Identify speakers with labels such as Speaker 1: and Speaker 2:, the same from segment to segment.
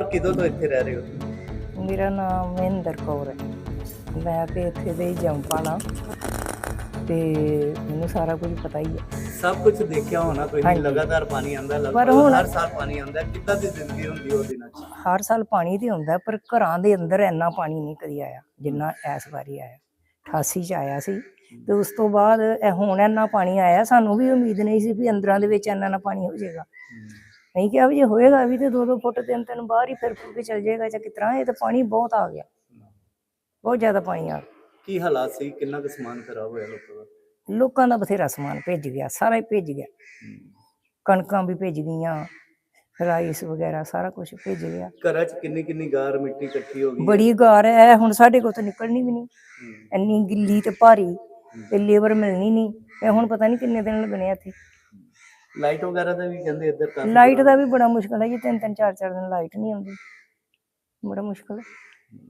Speaker 1: ਕਿਦੋਂ ਤੋਂ ਇੱਥੇ ਰਹਿ ਰਹੇ ਹੋ?
Speaker 2: ਮੇਰਾ ਨਾਮ ਮਹਿੰਦਰ ਕੌਰ ਹੈ। ਮੈਂ ਤੇ ਇੱਥੇ ਦੇ ਹੀ ਜੰਪਾਣਾ ਤੇ ਮੈਨੂੰ ਸਾਰਾ ਕੁਝ ਪਤਾ ਹੀ ਹੈ।
Speaker 1: ਸਭ ਕੁਝ ਦੇਖਿਆ ਹੋਣਾ ਕੋਈ ਨਹੀਂ, ਲਗਾਤਾਰ ਪਾਣੀ ਆਉਂਦਾ,
Speaker 2: ਪਰ
Speaker 1: ਲਗਭਗ
Speaker 2: ਹੁਣ
Speaker 1: ਹਰ ਸਾਲ ਪਾਣੀ ਆਉਂਦਾ। ਕਿੱਦਾਂ ਦੀ ਜ਼ਿੰਦਗੀ ਹੁੰਦੀ ਉਹ ਦਿਨਾਂ 'ਚ?
Speaker 2: ਹਰ ਸਾਲ ਪਾਣੀ ਤੇ ਆਉਂਦਾ, ਪਰ ਘਰਾਂ ਦੇ ਅੰਦਰ ਇੰਨਾ ਪਾਣੀ ਨਹੀਂ ਕਦੀ ਆਇਆ ਜਿੰਨਾ ਇਸ ਵਾਰੀ ਆਇਆ। 88 ਚ ਆਇਆ ਸੀ ਤੇ ਉਸ ਤੋਂ ਬਾਅਦ ਹੁਣ ਇੰਨਾ ਪਾਣੀ ਆਇਆ। ਸਾਨੂੰ ਵੀ ਉਮੀਦ ਨਹੀਂ ਸੀ ਵੀ ਅੰਦਰਾਂ ਦੇ ਵਿੱਚ ਇੰਨਾ ਪਾਣੀ ਹੋ ਜਾਏਗਾ। ਨਹੀਂ ਕਿਹਾ ਵੀ ਜੇ ਹੋਏਗਾ ਵੀ ਤੇ 2-2 ਫੁੱਟ 3-3 ਬਾਹਰ ਹੀ ਫਿਰ ਫੁਰ ਕੇ ਚਲ ਜਾਏਗਾ ਜਾਂ ਕਿਸ ਤਰ੍ਹਾਂ। ਇਹ ਤਾਂ ਪਾਣੀ ਬਹੁਤ ਆ ਗਿਆ, ਬਹੁਤ ਜ਼ਿਆਦਾ ਪਾਣੀ ਆ ਗਿਆ।
Speaker 1: ਕੀ ਹਾਲਾਤ ਸੀ? ਕਿੰਨਾ ਕੁ ਸਮਾਨ ਖਰਾਬ ਹੋਇਆ ਲੋਕਾਂ ਦਾ?
Speaker 2: ਲੋਕਾਂ ਦਾ ਬਥੇਰਾ ਸਮਾਨ ਭਿੱਜ ਗਿਆ, ਸਾਰਾ ਹੀ ਭਿੱਜ ਗਿਆ। ਕਣਕਾਂ ਵੀ ਭਿੱਜ ਗਈਆਂ, ਰਾਈਸ ਵਗੈਰਾ ਸਾਰਾ ਕੁਝ ਭਿੱਜ ਗਿਆ।
Speaker 1: ਘਰਾਂ 'ਚ ਕਿੰਨੀ ਕਿੰਨੀ ਗਾਰ ਮਿੱਟੀ ਇਕੱਠੀ ਹੋ ਗਈ?
Speaker 2: ਬੜੀ ਗਾਰ ਹੈ ਹੁਣ ਸਾਡੇ ਕੋਲ ਤਾਂ ਨਿਕਲਣੀ ਵੀ ਨਹੀਂ, ਇੰਨੀ ਗਿੱਲੀ ਤੇ ਭਾਰੀ, ਤੇ ਲੇਬਰ ਮਿਲਣੀ ਨਹੀਂ। ਇਹ ਹੁਣ ਪਤਾ ਨਹੀਂ ਕਿੰਨੇ ਦਿਨ ਲੱਗਣੇ ਆ ਇੱਥੇ।
Speaker 1: ਲਾਈਟ ਵਗੈਰਾ ਦਾ ਵੀ ਕਹਿੰਦੇ ਇੱਧਰ ਕਾਫੀ
Speaker 2: ਲਾਈਟ ਦਾ ਵੀ ਬੜਾ ਮੁਸ਼ਕਲ ਹੈ ਜੀ। 3-3 4-4 ਦਿਨ ਲਾਈਟ ਨਹੀਂ ਆਉਂਦੀ, ਬੜਾ ਮੁਸ਼ਕਲ ਹੈ।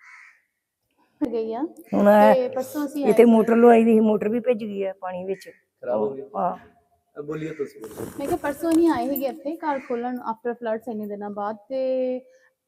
Speaker 3: ਗਈ ਆ
Speaker 2: ਹੁਣ
Speaker 3: ਤੇ ਪਰਸੋਂ ਅਸੀਂ
Speaker 2: ਇੱਥੇ ਮੋਟਰ ਲਵਾਈ ਦੀ ਸੀ, ਮੋਟਰ ਵੀ ਭਿੱਜ ਗਈ ਹੈ ਪਾਣੀ ਵਿੱਚ,
Speaker 1: ਖਰਾਬ ਹੋ ਗਈ।
Speaker 2: ਹਾਂ
Speaker 1: ਬੋਲੀਏ ਤੁਸੀਂ।
Speaker 3: ਮੈਂ ਕਿਹਾ ਪਰਸੋਂ ਹੀ ਆਏ ਸੀਗੇ ਇੱਥੇ ਘਰ ਖੋਲਣ ਆਫਟਰ ਫਲੱਡਸ ਇੰਨੇ ਦਿਨਾਂ ਬਾਅਦ, ਤੇ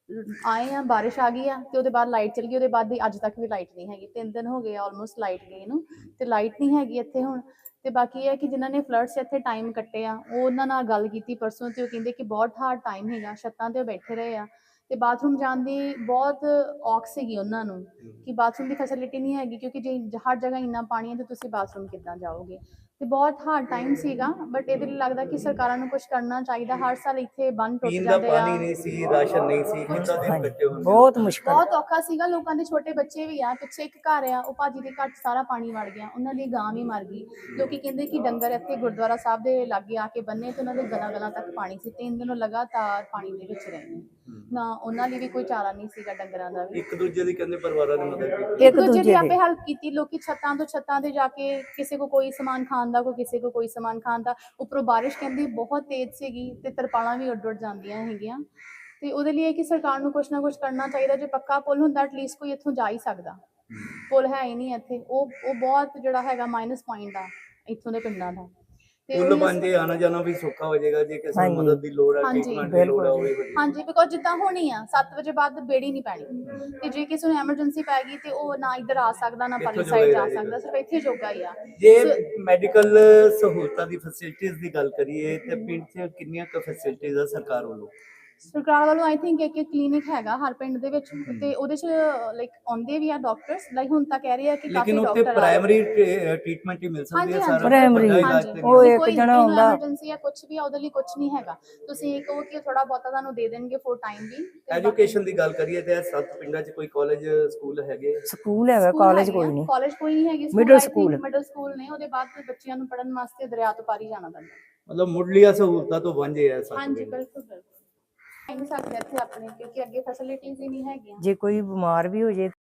Speaker 3: ਆਏ ਆ, ਬਾਰਿਸ਼ ਆ ਗਈ ਆ ਤੇ ਉਹਦੇ ਬਾਅਦ ਲਾਈਟ ਚਲ ਗਈ। ਉਹਦੇ ਬਾਅਦ ਦੀ ਅੱਜ ਤੱਕ ਵੀ ਲਾਈਟ ਨਹੀਂ ਹੈਗੀ। 3 ਦਿਨ ਹੋ ਗਏ ਆਲਮੋਸਟ ਲਾਈਟ ਗਈ ਨੂੰ, ਤੇ ਲਾਈਟ ਨਹੀਂ ਹੈਗੀ ਇੱਥੇ ਹੁਣ। ਤੇ ਬਾਕੀ ਇਹ ਹੈ ਕਿ ਜਿਨ੍ਹਾਂ ਨੇ ਫਲੱਡਸ ਇੱਥੇ ਟਾਈਮ ਕੱਟੇ ਆ, ਉਹ ਉਹਨਾਂ ਨਾਲ ਗੱਲ ਕੀਤੀ ਪਰਸੋਂ, ਤੇ ਉਹ ਕਹਿੰਦੇ ਕਿ ਬਹੁਤ ਹਾਰਡ ਟਾਈਮ ਹੈਗਾ। ਛੱਤਾਂ ਤੇ ਉਹ ਬੈਠੇ ਰਹੇ ਆ ਤੇ ਬਾਥਰੂਮ ਜਾਣ ਦੀ ਬਹੁਤ ਔਖ ਸੀਗੀ ਉਹਨਾਂ ਨੂੰ ਕਿ ਬਾਥਰੂਮ ਦੀ ਫੈਸਿਲਿਟੀ ਨਹੀਂ ਹੈਗੀ, ਕਿਉਂਕਿ ਜੇ ਹਰ ਜਗ੍ਹਾ ਇੰਨਾ ਪਾਣੀ ਹੈ ਤੇ ਤੁਸੀਂ ਬਾਥਰੂਮ ਕਿੱਦਾਂ ਜਾਓਗੇ। ਤੇ ਬਹੁਤ ਹਾਰਡ ਟਾਈਮ ਸੀਗਾ। ਬਟ ਇਹਦੇ ਲਈ ਲੱਗਦਾ ਕਿ ਸਰਕਾਰਾਂ ਨੂੰ ਕੁਝ ਕਰਨਾ ਚਾਹੀਦਾ। ਹਰ ਸਾਲ ਇੱਥੇ ਬੰਨ ਟੁੱਟ
Speaker 1: ਪੀਣ ਦਾ
Speaker 3: ਜਾਂਦੇ ਆ,
Speaker 1: ਪਾਣੀ ਨਹੀਂ ਸੀ, ਰਾਸ਼ਨ ਨਹੀਂ ਸੀ, ਕਿੱਦਾਂ ਦਿਨ ਕੱਟੇ ਹੋਣਗੇ?
Speaker 2: ਬਹੁਤ ਮੁਸ਼ਕਲ।
Speaker 3: ਬਹੁਤ ਔਖਾ ਸੀਗਾ। ਲੋਕਾਂ ਦੇ ਛੋਟੇ ਬੱਚੇ ਵੀ ਆ। ਪਿੱਛੇ ਇੱਕ ਘਰ ਆ, ਉਹ ਭਾਜੀ ਦੇ ਘਰ 'ਚ ਸਾਰਾ ਪਾਣੀ ਵੜ ਗਿਆ, ਉਹਨਾਂ ਦੀ ਗਾਂ ਵੀ ਮਰ ਗਈ। ਲੋਕੀ ਕਹਿੰਦੇ ਕਿ ਡੰਗਰ ਇੱਥੇ ਗੁਰਦੁਆਰਾ ਸਾਹਿਬ ਦੇ ਲਾਗੇ ਆ ਕੇ ਬੰਨੇ ਤੇ ਉਹਨਾਂ ਦੇ ਗਲਾਂ ਤੱਕ ਪਾਣੀ ਸੀ। 3 ਦਿਨ ਲਗਾਤਾਰ ਪਾਣੀ ਦੇ ਵਿੱਚ ਰਹੇ ਨੇ। ਨਾ ਉਹਨਾਂ ਲਈ ਵੀ ਕੋਈ ਚਾਰਾ ਨਹੀਂ ਸੀਗਾ, ਡੰਗਰਾਂ ਦਾ ਵੀ।
Speaker 1: ਇੱਕ ਦੂਜੇ ਦੀ ਕਹਿੰਦੇ ਪਰਿਵਾਰਾਂ ਦੀ ਮਦਦ ਕੀਤੀ।
Speaker 3: ਇੱਕ ਦੂਜੇ ਦੀ ਆਪੇ ਹੈਲਪ ਕੀਤੀ। ਲੋਕੀ ਛੱਤਾਂ ਤੋਂ ਛੱਤਾਂ ਤੇ ਜਾ ਕੇ, ਕਿਸੇ ਕੋ ਕੋਈ ਸਮਾਨ ਖਾਣ ਦਾ, ਕੋਈ ਕਿਸੇ ਕੋ ਕੋਈ ਸਮਾਨ ਖਾਣ ਦਾ। ਉੱਪਰੋਂ ਬਾਰਿਸ਼ ਕਹਿੰਦੀ ਬਹੁਤ ਤੇਜ਼ ਸੀਗੀ ਤੇ ਤਰਪਾਲਾਂ ਵੀ ਉੱਡ ਜਾਂਦੀਆਂ ਹੈਗੀਆਂ। ਤੇ ਉਹਦੇ ਲਈ ਇਹ ਕਿ ਸਰਕਾਰ ਨੂੰ ਕੁਛ ਨਾ ਕੁਛ ਕਰਨਾ ਚਾਹੀਦਾ। ਜੇ ਪੱਕਾ ਪੁਲ ਹੁੰਦਾ ਐਟਲੀਸਟ ਕੋਈ ਇੱਥੋਂ ਜਾ ਹੀ ਸਕਦਾ। ਪੁਲ ਹੈ ਹੀ ਨਹੀਂ ਇੱਥੇ। ਉਹ ਬਹੁਤ ਜਿਹੜਾ ਹੈਗਾ ਮਾਈਨਸ ਪੁਆਇੰਟ ਆ ਇੱਥੋਂ ਦੇ ਪਿੰਡਾਂ ਦਾ।
Speaker 1: ਪੁੱਲ ਬਣ ਜੇ ਆਣਾ ਜਾਣਾ ਵੀ ਸੌਖਾ ਹੋ ਜਾਏਗਾ। ਜੇ ਕਿਸੇ ਨੂੰ ਮਦਦ ਦੀ ਲੋੜ ਹੈ, ਟ੍ਰੀਟਮੈਂਟ ਦੀ ਲੋੜ ਹੈ, ਉਹ ਵੀ ਹੋ ਜਾਏਗਾ।
Speaker 3: ਹਾਂਜੀ, ਬਿਕੋਜ਼ ਜਿੱਦਾਂ ਹੋਣੀ ਆ 7 ਵਜੇ ਬਾਅਦ ਬੇੜੀ ਨਹੀਂ ਪੈਣੀ, ਤੇ ਜੇ ਕਿਸੇ ਨੂੰ ਐਮਰਜੈਂਸੀ ਪੈ ਗਈ ਤੇ ਉਹ ਨਾ ਇੱਧਰ ਆ ਸਕਦਾ, ਨਾ ਪਰਲੀ ਸਾਈਡ ਜਾ ਸਕਦਾ, ਸਿਰਫ ਇੱਥੇ ਜੋਗਾ ਹੀ ਆ।
Speaker 1: ਜੇ ਮੈਡੀਕਲ ਸਹੂਲਤਾਂ ਦੀ ਫੈਸਿਲਿਟੀਜ਼ ਦੀ ਗੱਲ ਕਰੀਏ ਤੇ ਪਿੰਡ 'ਚ ਕਿੰਨੀਆਂ ਕੁ ਫੈਸਿਲਿਟੀਜ਼ ਆ ਸਰਕਾਰ ਵੱਲੋਂ?
Speaker 3: ਸਰਕਾਰ ਵੱਲੋਂ ਆਈ ਥਿੰਕ ਇੱਕ ਕਲੀਨਿਕ ਹੈਗਾ ਹਰ ਪਿੰਡ ਦੇ ਵਿੱਚ, ਤੇ ਉਹਦੇ 'ਚ ਲਾਈਕ ਆਉਂਦੇ ਵੀ ਆ ਡਾਕਟਰਸ। ਲਾਈਕ ਹੁਣ ਤਾਂ ਕਹਿ ਰਹੇ ਆ ਕਿ ਕਾਫੀ
Speaker 1: ਲੇਕਿਨ ਉੱਥੇ
Speaker 3: ਡਾਕਟਰ
Speaker 1: ਪ੍ਰਾਇਮਰੀ ਟ੍ਰੀਟਮੈਂਟ ਹੀ ਮਿਲ ਸਕਦੀ ਹੈ ਸਾਰਾ।
Speaker 2: ਪ੍ਰਾਇਮਰੀ ਉਹ ਇੱਕ ਜਣਾ ਹੁੰਦਾ।
Speaker 3: ਐਮਰਜੈਂਸੀ ਆ ਕੁਝ ਵੀ ਆ, ਉਹਦੇ ਲਈ ਕੁਝ ਨਹੀਂ ਹੈਗਾ। ਤੁਸੀਂ ਇਹ ਕਹੋ ਕਿ ਥੋੜਾ ਬਹੁਤਾ ਤੁਹਾਨੂੰ ਦੇ ਦੇਣਗੇ ਫੋਰ ਟਾਈਮ ਵੀ।
Speaker 1: ਐਜੂਕੇਸ਼ਨ ਦੀ ਗੱਲ ਕਰੀਏ ਤੇ 7 ਪਿੰਡਾਂ 'ਚ ਕੋਈ ਕਾਲਜ ਸਕੂਲ ਹੈਗੇ?
Speaker 2: ਸਕੂਲ ਹੈਗਾ, ਕਾਲਜ ਕੋਈ ਨਹੀਂ।
Speaker 3: ਕਾਲਜ ਕੋਈ ਨਹੀਂ ਹੈਗੀ।
Speaker 2: ਮਿਡਲ ਸਕੂਲ
Speaker 3: ਨੇ। ਉਹਦੇ ਬਾਅਦ ਬੱਚਿਆਂ ਨੂੰ ਪੜ੍ਹਨ ਵਾਸਤੇ ਦਰਿਆ ਤੋਂ ਪਾਰੀ ਜਾਣਾ ਪੈਂਦਾ।
Speaker 1: ਮਤਲਬ ਮੁੱਢਲੀਆਂ ਸਹੂਲਤਾਂ ਤੋਂ ਵਾਂਝੇ ਆ ਸਭ।
Speaker 3: ਹਾਂਜੀ, ਬਿਲਕੁਲ ਬਿਲਕੁਲ। ਨਹੀਂ ਸਕਦੇ ਇੱਥੇ ਆਪਣੇ, ਕਿਉਂਕਿ ਅੱਗੇ ਫੈਸਿਲਿਟੀਜ਼ ਹੀ ਨਹੀਂ ਹੈਗੀਆਂ।
Speaker 2: ਜੇ ਕੋਈ ਬਿਮਾਰ ਵੀ ਹੋ ਜੇ